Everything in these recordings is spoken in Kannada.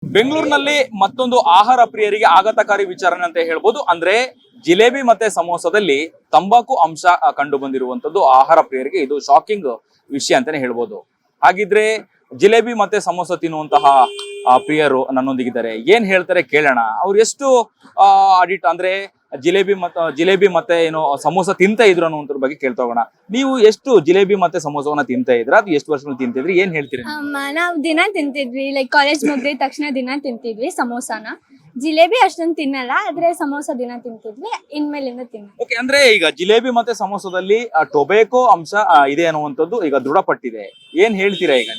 ಬೆಂಗಳೂರಿನಲ್ಲಿ ಮತ್ತೊಂದು ಆಹಾರ ಪ್ರಿಯರಿಗೆ ಆಘಾತಕಾರಿ ವಿಚಾರಣೆ ಅಂತ ಹೇಳ್ಬೋದು. ಅಂದ್ರೆ ಜಿಲೇಬಿ ಮತ್ತೆ ಸಮೋಸದಲ್ಲಿ ತಂಬಾಕು ಅಂಶ ಕಂಡು ಬಂದಿರುವಂತದ್ದು ಆಹಾರ ಪ್ರಿಯರಿಗೆ ಇದು ಶಾಕಿಂಗ್ ವಿಷಯ ಅಂತಾನೆ ಹೇಳ್ಬೋದು. ಹಾಗಿದ್ರೆ ಜಿಲೇಬಿ ಮತ್ತೆ ಸಮೋಸ ತಿನ್ನುವಂತಹ ಪ್ರಿಯರು ನನ್ನೊಂದಿಗಿದ್ದಾರೆ. ಏನ್ ಹೇಳ್ತಾರೆ ಕೇಳೋಣ. ಅವ್ರು ಎಷ್ಟು ಅಡಿಟ್ ಅಂದ್ರೆ ಜಿಲೇಬಿ ಮತ್ತೆ ಏನು ಸಮೋಸ ತಿಂತ ಇದ್ರು ಅನ್ನೋದ್ರ ಬಗ್ಗೆ ಕೇಳ್ತಾ ಹೋಗೋಣ. ನೀವು ಎಷ್ಟು ಜಿಲೇಬಿ ಮತ್ತೆ ಸಮೋಸವನ್ನ ತಿಂತ ಇದ್ರ, ಅದು ಎಷ್ಟು ವರ್ಷಗಳು ತಿಂತಿದ್ರಿ, ಏನ್ ಹೇಳ್ತೀರಿ? ನಾವು ದಿನ ತಿಂತಿದ್ವಿ, ಲೈಕ್ ಕಾಲೇಜ್ ಮುಗಿದ ತಕ್ಷಣ ದಿನ ತಿಂತಿದ್ವಿ ಸಮೋಸಾನ. ಜಿಲೇಬಿ ಅಷ್ಟೊಂದು ತಿನ್ನಲ್ಲ, ಆದ್ರೆ ಸಮೋಸ ದಿನ ತಿಂತಿದ್ವಿ, ಇನ್ಮೇಲಿಂದ ತಿನ್ನ. ಓಕೆ, ಅಂದ್ರೆ ಈಗ ಜಿಲೇಬಿ ಮತ್ತೆ ಸಮೋಸದಲ್ಲಿ ಟೊಬ್ಯಾಕೋ ಅಂಶ ಇದೆ ಅನ್ನುವಂಥದ್ದು ಈಗ ದೃಢಪಟ್ಟಿದೆ. ಏನ್ ಹೇಳ್ತೀರಾ ಈಗ?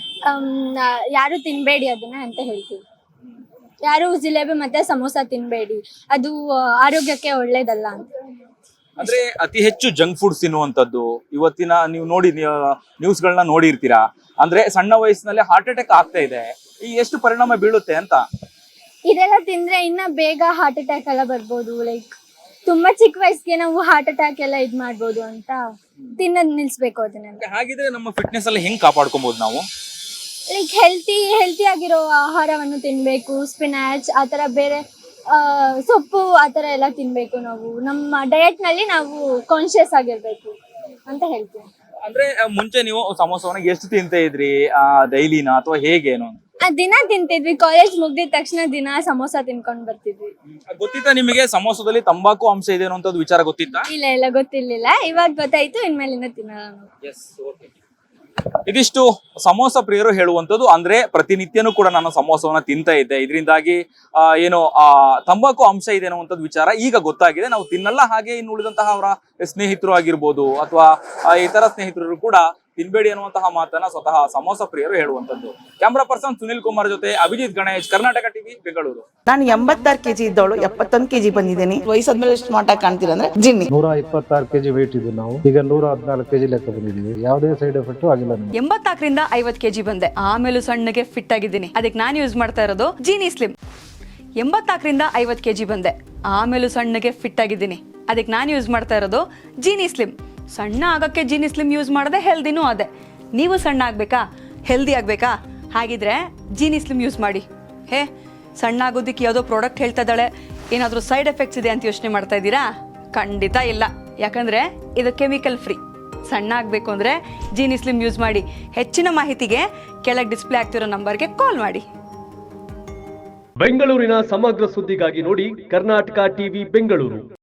ಯಾರು ತಿನ್ಬೇಡಿ ಅದನ್ನ ಅಂತ ಹೇಳ್ತೀವಿ. ಯಾರು ಜಿಲೇಬಿ ಮತ್ತೆ ಸಮೋಸ ತಿನ್ಬೇಡಿ, ಅದು ಆರೋಗ್ಯಕ್ಕೆ ಒಳ್ಳೇದಲ್ಲ ಅಂತ. ಅಂದ್ರೆ ಅತಿ ಹೆಚ್ಚು ಜಂಕ್ ಫುಡ್ಸ್ ತಿನ್ನುವಂಥದ್ದು ಇವತ್ತಿನ ನೀವು ನ್ಯೂಸ್ಗಳನ್ನ ನೋಡಿರ್ತೀರಾ. ಅಂದ್ರೆ ಸಣ್ಣ ವಯಸ್ಸಿನಲ್ಲಿ ಹಾರ್ಟ್ ಅಟ್ಯಾಕ್ ಆಗ್ತಾ ಇದೆ. ಈ ಎಷ್ಟು ಪರಿಣಾಮ ಬೀಳುತ್ತೆ ಅಂತ? ಇದೆಲ್ಲ ತಿಂದ್ರೆ ಇನ್ನ ಬೇಗ ಹಾರ್ಟ್ ಅಟ್ಯಾಕ್ ಎಲ್ಲ ಬರ್ಬೋದು. ಲೈಕ್ ತುಂಬಾ ಚಿಕ್ಕ ವಯಸ್ಸಿಗೆ ನಾವು ಹಾರ್ಟ್ ಅಟ್ಯಾಕ್ ಎಲ್ಲ ಇದ್ ಮಾಡ್ಬೋದು ಅಂತ ತಿನ್ನೋದ್ ನಿಲ್ಸ್ಬೇಕು ಅದನ್ನೆಲ್ಲ. ಹಾಗಿದ್ರೆ ನಮ್ಮ ಫಿಟ್ನೆಸ್ ಎಲ್ಲ ಹೆಂಗ್ ಕಾಪಾಡ್ಕೊಬಹುದು ನಾವು? ಲೈಕ್ ಹೆಲ್ತಿ ಆಗಿರೋ ಆಹಾರವನ್ನು ತಿನ್ಬೇಕು. ಸ್ಪಿನಾಚ್ ಆತರ, ಬೇರೆ ಸೊಪ್ಪು ಆತರ ಎಲ್ಲ ತಿನ್ಬೇಕು. ನಾವು ನಮ್ಮ ಡಯಟ್ ನಲ್ಲಿ ನಾವು ಕಾನ್ಶಿಯಸ್ ಆಗಿರ್ಬೇಕು ಅಂತ ಹೇಳ್ತೀವಿ. ಅಂದ್ರೆ ಮುಂಚೆ ನೀವು ಸಮೋಸವನ್ನ ಎಷ್ಟು ತಿಂತ ಇದ್ರಿ, ಡೈಲಿನ ಅಥವಾ ಹೇಗೇನು? ದಿನ ತಿಂತಿದ್ವಿ. ಕಾಲೇಜ್ ಮುಗ್ದಿದ ತಕ್ಷಣ ದಿನ ಸಮೋಸ ತಿನ್ಕೊಂಡ್ ಬರ್ತಿದ್ವಿ. ಗೊತ್ತಿತ್ತಾ ನಿಮಗೆ ಸಮೋಸದಲ್ಲಿ ತಂಬಾಕು ಅಂಶ ಇದೆ ಅನ್ನೋಂಥದ್ದು ವಿಚಾರ ಗೊತ್ತಿತ್ತಾ? ಇಲ್ಲ ಗೊತ್ತಿರ್ಲಿಲ್ಲ, ಇವಾಗ ಗೊತ್ತಾಯ್ತು. ಇನ್ಮೇಲಿಂದ ತಿನ್ನಲ್ಲ ನಾವು. ಇದಿಷ್ಟು ಸಮೋಸ ಪ್ರಿಯರು ಹೇಳುವಂಥದ್ದು. ಅಂದ್ರೆ ಪ್ರತಿನಿತ್ಯನೂ ಕೂಡ ನಾನು ಸಮೋಸವನ್ನ ತಿಂತ ಇದ್ದೆ, ಇದರಿಂದಾಗಿ ಏನು ತಂಬಾಕು ಅಂಶ ಇದೆ ಅನ್ನುವಂಥದ್ದು ವಿಚಾರ ಈಗ ಗೊತ್ತಾಗಿದೆ. ನಾವು ತಿನ್ನಲ್ಲ. ಹಾಗೆ ಇನ್ನು ಉಳಿದಂತಹ ಅವರ ಸ್ನೇಹಿತರು ಆಗಿರ್ಬೋದು ಅಥವಾ ಇತರ ಸ್ನೇಹಿತರು ಕೂಡ ತಿನ್ಬೇಡಿ ಅನ್ನುವಂತಹ ಮಾತನ್ನ ಸ್ವತಃ ಸಮೋಸ ಪ್ರಿಯರು ಹೇಳುವಂಥದ್ದು. ಕ್ಯಾಮ್ರಾ ಪರ್ಸನ್ ಸುನಿಲ್ ಕುಮಾರ್ ಜೊತೆ ಅಭಿಜಿತ್ ಗಣೇಶ್, ಕರ್ನಾಟಕ ಟಿವಿ, ಬೆಂಗಳೂರು. ನಾನು 86 ಕೆಜಿ ಇದ್ದವಳು 71 ಕೆಜಿ ಬಂದಿದ್ದೀನಿ. ವಯಸ್ಸಾದ್ಮೇಲೆ ಸ್ಮಾರ್ಟ್ ಆಗಿ ಕಾಣ್ತೀರಾ ಅಂದ್ರೆ ಜಿನ್ನಿ. 126 ಕೆಜಿ ವೇಟ್ ಇದ್ದು ನಾವು ಈಗ 114 ಕೆಜಿ ಲೆಕ್ಕ ಬಂದಿದ್ದೀವಿ. ಯಾವುದೇ ಸೈಡ್ ಎಫೆಕ್ಟ್ ಆಗಿಲ್ಲ. 84ರಿಂದ 50 ಕೆಜಿ ಬಂದೆ, ಆಮೇಲೆ ಸಣ್ಣಗೆ ಫಿಟ್ ಆಗಿದ್ದೀನಿ. ಅದಕ್ಕೆ ನಾನು ಯೂಸ್ ಮಾಡ್ತಾ ಇರೋದು ಜೀನಿ ಸ್ಲಿಮ್. 84ರಿಂದ 50 ಕೆಜಿ ಬಂದೆ, ಆಮೇಲೆ ಸಣ್ಣಗೆ ಫಿಟ್ ಆಗಿದ್ದೀನಿ. ಅದಕ್ಕೆ ನಾನು ಯೂಸ್ ಮಾಡ್ತಾ ಇರೋದು ಜೀನಿ ಸ್ಲಿಮ್. ಸಣ್ಣ ಆಗಕ್ಕೆ ಜೀನಿ ಸ್ಲಿಮ್ ಯೂಸ್ ಮಾಡದೆ ಹೆಲ್ದಿನೂ ಅದೇ. ನೀವು ಸಣ್ಣ ಆಗ್ಬೇಕಾ, ಹೆಲ್ದಿ ಆಗ್ಬೇಕಾ? ಹಾಗಿದ್ರೆ ಜೀನಿ ಸ್ಲಿಮ್ ಯೂಸ್ ಮಾಡಿ. ಸಣ್ಣ ಆಗೋದಕ್ಕೆ ಯಾವುದೋ ಪ್ರಾಡಕ್ಟ್ ಹೇಳ್ತಾ ಇದ್ದಾಳೆ, ಏನಾದರೂ ಸೈಡ್ ಎಫೆಕ್ಟ್ಸ್ ಇದೆ ಅಂತ ಯೋಚನೆ ಮಾಡ್ತಾ ಇದ್ದೀರಾ? ಖಂಡಿತ ಇಲ್ಲ, ಯಾಕಂದ್ರೆ ಇದು ಕೆಮಿಕಲ್ ಫ್ರೀ. ಸಣ್ಣ ಆಗಬೇಕು ಅಂದರೆ ಜೀನಿ ಸ್ಲಿಮ್ ಯೂಸ್ ಮಾಡಿ. ಹೆಚ್ಚಿನ ಮಾಹಿತಿಗೆ ಕೆಳಗೆ ಡಿಸ್ಪ್ಲೇ ಆಗ್ತಿರೋ ನಂಬರ್ಗೆ ಕಾಲ್ ಮಾಡಿ. ಬೆಂಗಳೂರಿನ ಸಮಗ್ರ ಸುದ್ದಿಗಾಗಿ ನೋಡಿ ಕರ್ನಾಟಕ ಟಿವಿ ಬೆಂಗಳೂರು.